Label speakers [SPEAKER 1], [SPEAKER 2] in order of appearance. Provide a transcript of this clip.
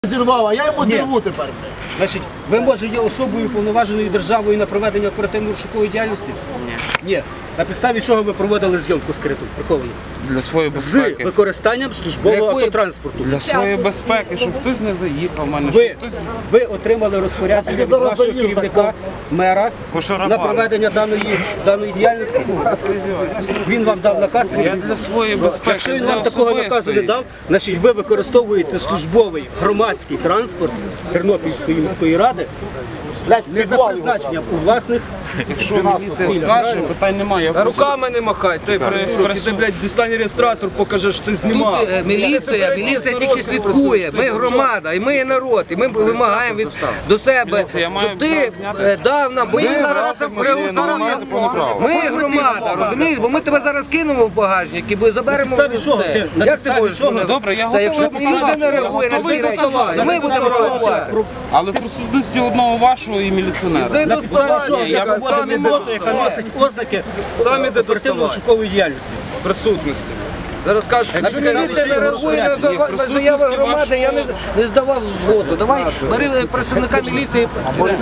[SPEAKER 1] Зірвав, а я йому зірву тепер.
[SPEAKER 2] Значить, ви, може, є особою повноваженою державою на проведення оперативно-розшукової діяльності?
[SPEAKER 3] Ні.
[SPEAKER 2] Ні. На підставі чого ви проводили зйомку скриту, приховану?
[SPEAKER 3] Для своєї
[SPEAKER 2] З
[SPEAKER 3] безпеки.
[SPEAKER 2] використанням службового автотранспорту.
[SPEAKER 3] Для своєї безпеки, щоб хтось не заїхав в мене, щоб хтось...
[SPEAKER 2] Ви отримали розпорядження від вашого керівника, мера, на проведення даної діяльності. Він вам дав наказ.
[SPEAKER 3] Я для своєї безпеки,
[SPEAKER 2] Якщо він
[SPEAKER 3] для
[SPEAKER 2] вам такого наказу не
[SPEAKER 3] особистої.
[SPEAKER 2] дав, значить ви використовуєте службовий громадський транспорт Тернопільської міської ради не за призначенням у власних.
[SPEAKER 3] Якщо міліція скаже, питань немає. Я
[SPEAKER 4] Та
[SPEAKER 3] просто-
[SPEAKER 4] руками не махай, ти ти, блядь, дістань реєстратор, покажи, що ти знімав.
[SPEAKER 5] Тут міліція тільки слідкує, ми громада, і ми є народ, і ми вимагаємо до себе,
[SPEAKER 3] Міліція, я маю
[SPEAKER 5] щоб ти
[SPEAKER 3] право зняти.
[SPEAKER 5] дав нам, бо ми зараз приготуємо. Ми громада, розумієш, бо ми тебе зараз кинемо в багажник і заберемо.
[SPEAKER 2] підставі чого?
[SPEAKER 5] все.
[SPEAKER 2] На
[SPEAKER 5] Як ти
[SPEAKER 2] підставі
[SPEAKER 5] можеш?
[SPEAKER 2] чого?
[SPEAKER 3] Добре, я
[SPEAKER 5] Це якщо
[SPEAKER 3] готовий
[SPEAKER 5] міліція не
[SPEAKER 3] показати.
[SPEAKER 5] реагує на
[SPEAKER 3] Готовий
[SPEAKER 5] ці речі,
[SPEAKER 3] показати.
[SPEAKER 5] то ми будемо реагувати.
[SPEAKER 3] Але в присутності одного вашого і міліціонера.
[SPEAKER 2] На підставі чого?
[SPEAKER 3] Я
[SPEAKER 2] Яка
[SPEAKER 4] самі
[SPEAKER 2] робота, яка носить ознаки
[SPEAKER 4] Самі де
[SPEAKER 2] оперативно-розшукової діяльності.
[SPEAKER 4] присутності. Зараз кажуть,
[SPEAKER 5] Якщо
[SPEAKER 4] що
[SPEAKER 5] міліція не реагує на заяви громади, я не здавав згоду. Давай бери представника міліції.